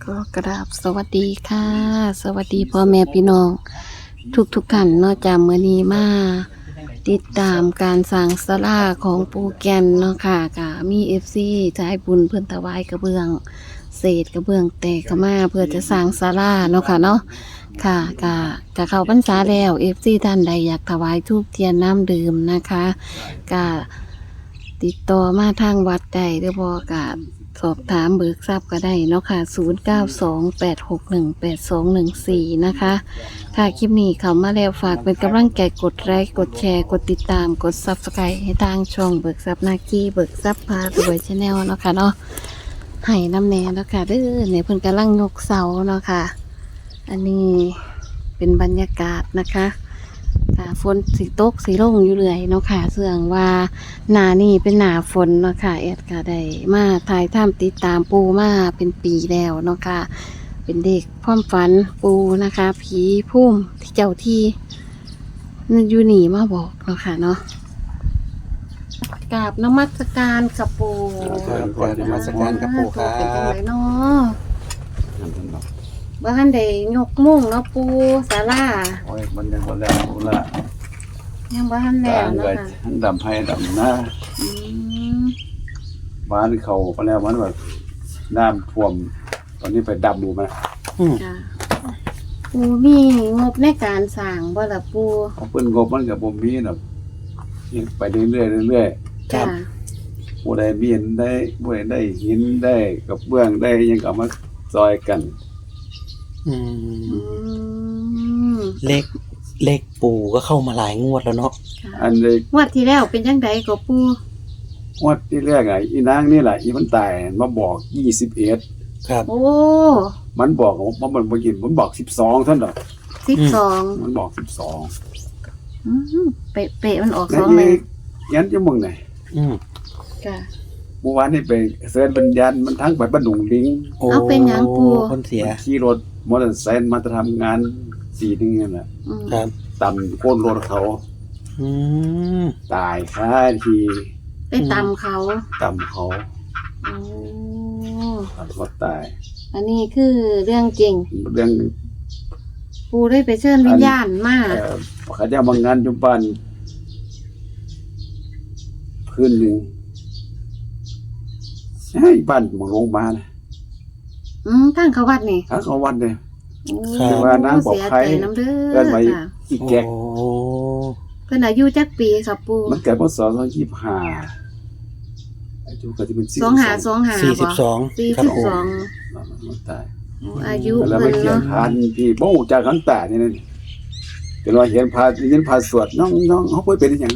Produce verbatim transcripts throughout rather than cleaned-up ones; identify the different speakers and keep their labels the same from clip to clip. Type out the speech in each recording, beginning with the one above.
Speaker 1: ก็กราบสวัสดีค่ะ สวัสดีพ่อแม่พี่น้อง ทุกทุกท่านเนาะจากมื้อนี้มาติดตามการสร้างศาลาของปูแกนเนาะค่ะก็มี เอฟ ซี ใจบุญเพิ่นถวายกระเบื้องเศษกระเบื้องแตกเข้ามาเพื่อจะสร้างศาลาเนาะค่ะเนาะค่ะก็จะเข้าพรรษาแล้ว เอฟ ซี ท่านใดอยากถวายธูปเทียนน้ำดื่มนะคะก็ติดต่อมาทางวัดได้หรือบ่ก็สอบถามเบิกทรัพย์ก็ได้เนาะค่ะศูนย์ เก้า สอง แปด หก หนึ่ง แปด สอง หนึ่ง สี่นะคะค่ะคลิปนี้เข้ามาแล้วฝากเป็นกำลังใจกดไลค์กดแชร์กดติดตามกด ซับสไครบ์ ให้ทางช่องเบิกทรัพย์นาคีเบิกทรัพย์พารวยชาแนลเนาะค่ะเนาะให้น้ำแน่เนาะค่ะเด้อเนี่ยเพิ่นกำลังยกเสาเนาะค่ะอันนี้เป็นบรรยากาศนะคะค่ะฝนสีตกสีลงอยู่เรื่อยเนาะค่ะเสื่องว่าหนานี่เป็นหนาฝนเนาะค่ะแอดก็ได้มาถ่ายทำติดตามปูมาเป็นปีแล้วเนาะค่ะเป็นเด็กความฝันปูนะคะผีพุ่มที่เจ้าที่นั่นอยู่หนีมาบอกเนาะค่ะเนาะกราบนมัสการกับปู
Speaker 2: ครับก่อนนมัสการครับปู่ครับ
Speaker 1: เป็นจังไรเนาะบ้านใดยกมุ่งเนาะปูศาลา
Speaker 2: โอ้ยมันยังบ่แล้วพุ่นละ
Speaker 1: ยังบ้านแล้ว
Speaker 2: การ
Speaker 1: เนาะ
Speaker 2: เกิด
Speaker 1: ค่ะ
Speaker 2: ดำให้ดำหน้า
Speaker 1: อืม
Speaker 2: บ้านเขาก็แล้วมันแบบน้ำท่วมตอนนี้ไปดำดูมา
Speaker 1: ค่ะปูมีงบในการสร้างบ่ล่ะปู
Speaker 2: เขาเพิ่นงบมันกับบ่มีน่ะไปเรื่อยๆเรื่อย
Speaker 1: จ้ะ
Speaker 2: ๆผู้ใดมีเห็นได้ผู้ใดได้หินได้กับเบื้องได้ยังก็เอามาซอยกัน
Speaker 3: อื
Speaker 1: อื
Speaker 3: ม
Speaker 1: ม
Speaker 3: เลขเลขปู่ก็เข้ามาหลายงวดแล้วเนาะ
Speaker 1: ค่ะ
Speaker 2: อันนี้
Speaker 1: งวดที่แล้วเป็นจังไดก็ปู
Speaker 2: งวดที่แรกอ่ะอีนางนี่แหละอีมันตายมาบอกยี่สิบเอ็ด
Speaker 3: ครับ
Speaker 1: โอ้
Speaker 2: มันบอกว่ามันบ่กินมันบอกสิบสองเท่านั้นดอก
Speaker 1: สิบสอง
Speaker 2: มันบอกสิบสอง
Speaker 1: อืมเป๊ะเป๊ะมันออก
Speaker 2: ใน
Speaker 1: สอง
Speaker 2: อี
Speaker 1: เลย
Speaker 2: ยันจะมึงไหน
Speaker 3: อืม
Speaker 1: ค่ะ
Speaker 2: เมื่อวานนี่ไปเสิร์ชวิญญาณมันทั้งไปบ้านดุงลิง
Speaker 3: โอ้
Speaker 1: เอาเป็นหยังปู่
Speaker 3: คนเสีย
Speaker 2: ขี่รถมอเตอร์ไซค์มาจะทำงานสี่นึงนั่นแหละ
Speaker 1: อืม
Speaker 3: ครับ
Speaker 2: ต่ำโค่นรถเขา
Speaker 3: อืม
Speaker 2: ตายค่าที
Speaker 1: ไปตำเขา
Speaker 2: ต่ำเขา
Speaker 1: โอ้
Speaker 2: ตัดรถตาย
Speaker 1: อันนี้คือเรื่องจริง
Speaker 2: เรื่อง
Speaker 1: ปูได้ไปเชิญวิญญาณมา
Speaker 2: เอ่อเขาจะมางานจุบ้านคืนหนึ่งให้บ้านมาลงมานะ
Speaker 1: อืมทางเขาวัดนี่
Speaker 2: ถ้าเขาวันเลย
Speaker 1: โอ้
Speaker 2: คือว่านางบอกใคร
Speaker 1: เสียใจน้ำเด้
Speaker 2: เอิ้
Speaker 1: อน
Speaker 2: ไว้
Speaker 1: ค่ะ
Speaker 2: อีแกก
Speaker 3: โอ้
Speaker 1: เพิ่นอายุจักปีครับปู
Speaker 2: มันเกิดพศสองพันยี่สิบห้าอายุก็จะเป็น
Speaker 1: สองหาสองหา
Speaker 3: สี่สิบสอง
Speaker 1: สี่
Speaker 3: ครับ
Speaker 1: สิบ
Speaker 3: ปู่
Speaker 1: สอง
Speaker 2: มันตาย
Speaker 1: อายุ
Speaker 2: แล้วไป
Speaker 1: เพิ่น
Speaker 2: เขียน
Speaker 1: เนาะ
Speaker 2: พานพี่บ่ฮู้จักขันตานี่นั่นก็ว่าเห็นพาเห็นพาสวดน้องน้องเฮาบ่เป็นหยัง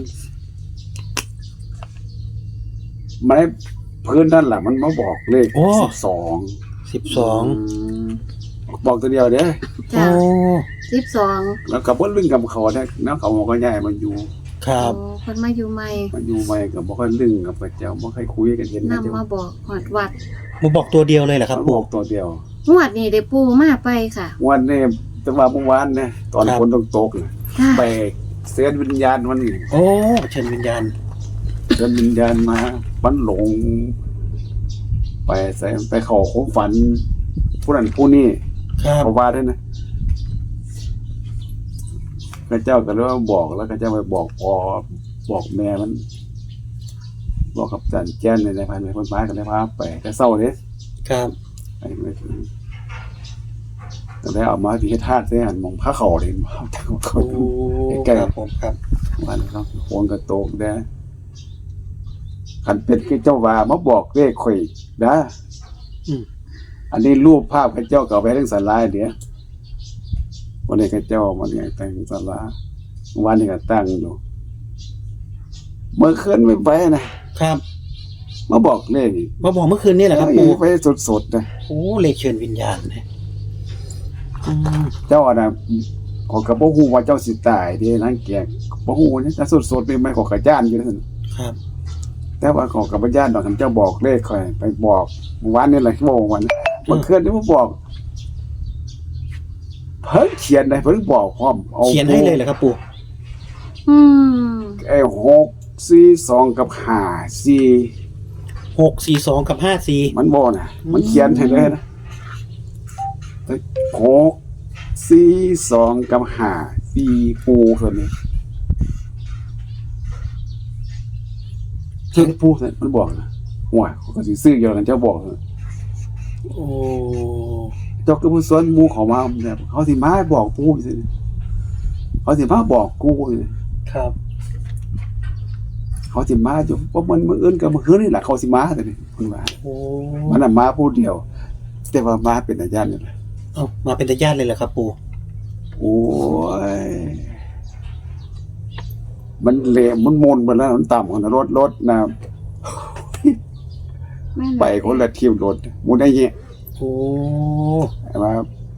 Speaker 2: มันได้พื้นนั่นล่ะมันมาบอกเลขสิบสอง
Speaker 3: สิบสอง
Speaker 2: บอกตัวเดียวเด้อ
Speaker 1: จ้ะ
Speaker 3: โอ้
Speaker 1: สิบสอง
Speaker 2: แล้วก็บ่ลึงกับเขาได้แล้วเขาก็ย้ายมาอยู่
Speaker 3: ครับ
Speaker 1: โอ้เพิ่นมาอยู่ใหม่
Speaker 2: มาอยู่ใหม่ก็บ่ค่อยลึงกับพระเจ้าบ่ค่อยคุยกันเห็น
Speaker 1: นำ
Speaker 2: นะเจ้า
Speaker 1: มาบอกหอดวัด
Speaker 3: มาบอกตัวเดียวเลยเหรอครับ
Speaker 2: บ
Speaker 3: ปู่
Speaker 2: อกตัวเดียว
Speaker 1: งวดนี้ได้ปูมาไปค่ะ
Speaker 2: วันนี้แต่ว่าเมื่อวานเนี่ยตอนฝนตกๆน่ะ
Speaker 1: ค่ะ
Speaker 2: ไปเสียวิญญาณมัน
Speaker 3: โอ้เชิญวิญญาณ
Speaker 2: เดินวิญญาณมามันหลง ไปใส่ไปเขอความฝัน ผู้นั้นผู้นี้
Speaker 3: ครับ
Speaker 2: เขาว่าด้วยนะพระเจ้าก็เลยว่าบอกแล้วพระเจ้าไปบอกพอบอกแม่มัน บอกกับจันแจ้นในในพันในคนบ้านกันเลยพาไปแต่เศร้าเลย
Speaker 3: ครับ
Speaker 2: ไปไม่ถึงแต่ได้เอามาที่ธาตุได้หันมองพระเขาเห็นว่าเขาเขา
Speaker 3: โอ้
Speaker 2: ใกล้
Speaker 3: ครับผมครับ
Speaker 2: วันเขาโคนกระโตกได้ขันเป็ดคือเจ้าว่ามาบอกเลขข่อยนะ
Speaker 3: อืม
Speaker 2: อันนี้รูปภาพข้าเจ้าเก่าไปเรื่องสาราเดี๋ยววันนี้ข้าเจ้ามันไงแต่งสาราวันนี้ก็ตั้งอยู่เมื่อคืนไม่ไปนะครับ มาบอกเลขอีก
Speaker 3: มาบอกเมื่อคืนนี่แหละครับ
Speaker 2: เอ้
Speaker 3: ปู่
Speaker 2: ยไปสดๆนะ
Speaker 3: โอ้เลขเชิญวิญญาณนะอืม
Speaker 2: เจ้าอ่ะนะขอกระโปงหูว่าเจ้าสิตายเด้นั่งแกกบ่หูนี่แต่สดๆนี่ไม่ขอกระจ้านอยู่นั่น
Speaker 3: ครับ
Speaker 2: แต่ว่าขอกระจ้านดอกคันเจ้าบอกเลขค่อยไปบอกเมื่อวานนี่แหละโมวันเมื่อคืนนี่มาบอก เพิ่งเขียนได้เพิ่งบอกพร้อมเอา
Speaker 3: เขียนให้เลยเหรอครับปู่
Speaker 1: อืม
Speaker 2: ไอ้หกสี่สองกับห้าสี่
Speaker 3: หกสี่สองกับห้าสี่
Speaker 2: มันบ่น่ะ มันเขียนให้เลยนะหกสี่สองกับห้าสี่ปูส่วนนี้เช่นปูส่วนมันบอกนะหัวเขาก็สิซื้อเยอะกันเจ้าบอกนะ
Speaker 3: โอ้
Speaker 2: เจ้าก็ผู้สวนหมูเขามาแบบเขาสิมาบอกปูสิเขาสิมาบอกกูสิ
Speaker 3: ครับ
Speaker 2: เขาสิมาอยู่เพราะมันมื้ออื่นกับมื้อคืนนี่แหละเขาสิมาแต่นี่เพิ่นว่า
Speaker 3: โอ้
Speaker 2: มันน่ะมาผู้เดียว แต่ว่ามาเป็นอาจารย์นี่แหละ
Speaker 3: เอามาเป็นญาติเลยเหรอครับปู่
Speaker 2: โอ้ยมันเละมันมนไปแล้วมันต่ำของรถรถนะ
Speaker 1: แม่น
Speaker 2: ไปคนละทีมรถมูได้เงี้ย
Speaker 3: โอ้
Speaker 2: ว่า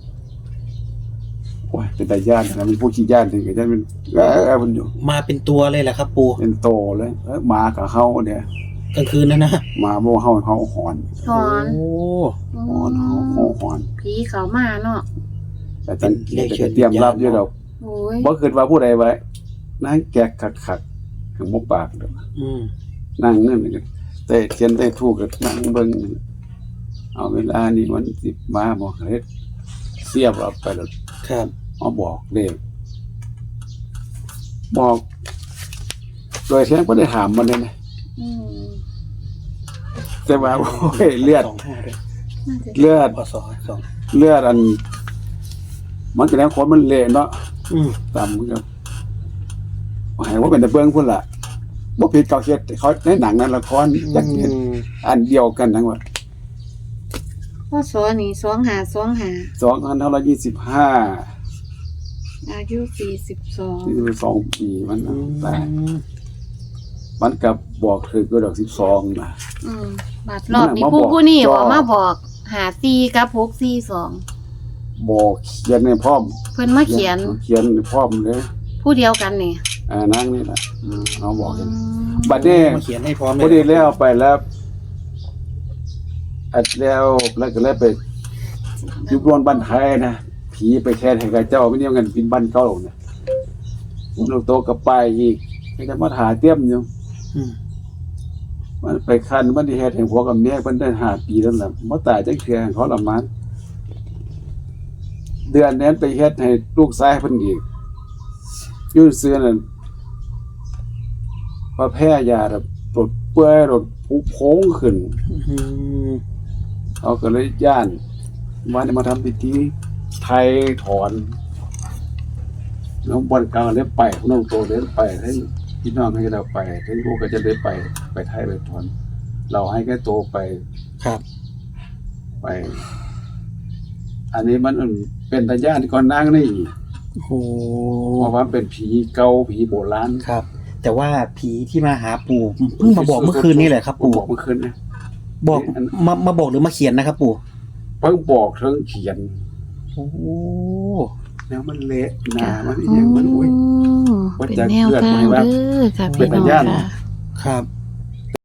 Speaker 2: โอ้ยเป็นตาญาตินะมันผู้ขี้ญาติถึงกับญาติมันเออมันอยู่
Speaker 3: มาเป็นตัวเลยเหรอครับปู่
Speaker 2: เป็นโตเลยเออหมากับเขาเนี่ย
Speaker 3: กลางคืนนะนะ
Speaker 2: หมาโมเฮาเขาหอน
Speaker 1: ถอน
Speaker 3: โอ้
Speaker 2: หอนเขาเขาหอน
Speaker 1: ผีเขามาเนาะ
Speaker 2: แต่จังแต่จะเตรียมรับอยู่ดอก
Speaker 1: โอ้ย
Speaker 2: บ่คิดว่าผู้ใดไว้นั่งแกะคักๆถึงบ่ปากดอก
Speaker 3: อืม
Speaker 2: นั่งเงินกันแต่เขียนได้ถูกก็นั่งเบิ่งเอาเวลานี้มันสิมาบ่เฮ็ดเสียบเอาไปแล้ว
Speaker 3: ครับ
Speaker 2: มาบอกเลขบอก โดยแท้บ่ได้ถามมันเลยนะ
Speaker 1: อืม
Speaker 2: แต่ว่าโอ้ยเลือด
Speaker 3: สองห้าด้วย
Speaker 1: น่าจะ
Speaker 2: เลือด
Speaker 3: พศสอง
Speaker 2: เลือดอัน มันก็แล้วคนมันเละเนาะ
Speaker 3: อืม
Speaker 2: ตามกับให้ว่าเป็นแต่เบิ่งพุ่นล่ะบ่ผิดเขาเฮ็ดเขาในหนังนั้นละครจักเห็นอันเดียวกันทั้งหมด
Speaker 1: พ่อสอนี่สองหาสองหา
Speaker 2: สองพันห้าร้อยยี่สิบห้า
Speaker 1: อายุสี่สิบสอง
Speaker 2: สี่สิบสองปีมัน
Speaker 3: อื
Speaker 2: น่ะ
Speaker 3: ม
Speaker 2: ตายมันกับบอกถือก็ดอกสิบสองนะ
Speaker 1: อืมบาดรอบนี้
Speaker 2: มาบอก
Speaker 1: ผู้ผู้นี่
Speaker 2: จ่อ
Speaker 1: บอกมาบอกหาซีกับหกซีสอง
Speaker 2: บอกเขียนในพร้อม
Speaker 1: เพิ่นมาเขียน
Speaker 2: เขียนในพร้อมเลย
Speaker 1: ผู้เดียวกันนี่
Speaker 2: อ่านั่งนี่แหละอืมเอาบอกเห็น
Speaker 1: อืม
Speaker 2: บัดนี้
Speaker 3: มาเขียนให้พร้อม
Speaker 2: พอดีแล้วไปแล้วอัดแล้วแล้วก็เลยไปอยุบรวนบ้านไทยนะผีไปแค่ให้กับเจ้าไม่เนี่ยเงินกินบ้านเก่าเนี่ยมันลงโตกับไปอีกก็จะมาหาเตี้ยมอยู่
Speaker 3: อืม
Speaker 2: มันไปคันมันที่เฮ็ดให้ผัวกับเมียเพิ่นได้ห้าปีแล้วล่ะบ่ตายจักเทื่อให้เขาละมันเดือนนั้นไปเฮ็ดให้ลูกชายเพิ่นอีกอยู่เสื้อนั่นพอแพ้ยาแบบปวดเปื่อยรถผุโพงขึ้น
Speaker 3: อืม
Speaker 2: เขาก็เลยย่านว่าจะมาทำพิธีไทยถอนน้องบอลกลางเลยไปน้องโตเลยไปให้พี่น้องให้เราไปให้ลูกก็จะได้ไปไปไทยไปถอน เราให้แค่โตไป
Speaker 3: ครับ
Speaker 2: ไป อันนี้มันเป็นตาญาติก่อนนางนี่อีก
Speaker 3: โอ้โห
Speaker 2: เพราะว่าเป็นผีเก่าผีโบราณ
Speaker 3: ครับ แต่ว่าผีที่มาหาปู่เพิ่งมาบอกเมื่อคืนนี่แหละครับ ปู่
Speaker 2: บอกเมื่อคืนนะ
Speaker 3: บอกมามาบอกหรือมาเขียนนะครับ ปู่
Speaker 2: เพิ่งบอกเพิ่งเขียน
Speaker 3: โอ้
Speaker 2: แล้วมันเละหนามันอหย่างมันอุ้ย
Speaker 1: อืม
Speaker 2: ว่า
Speaker 1: เป็น
Speaker 2: จะ
Speaker 1: แนวทาง
Speaker 2: เกิดไหมว่า
Speaker 1: เด้อค่ะ
Speaker 2: เป็
Speaker 1: พี่
Speaker 2: น
Speaker 1: น้อง
Speaker 2: ญาติ
Speaker 1: ค่ะ
Speaker 3: ครับ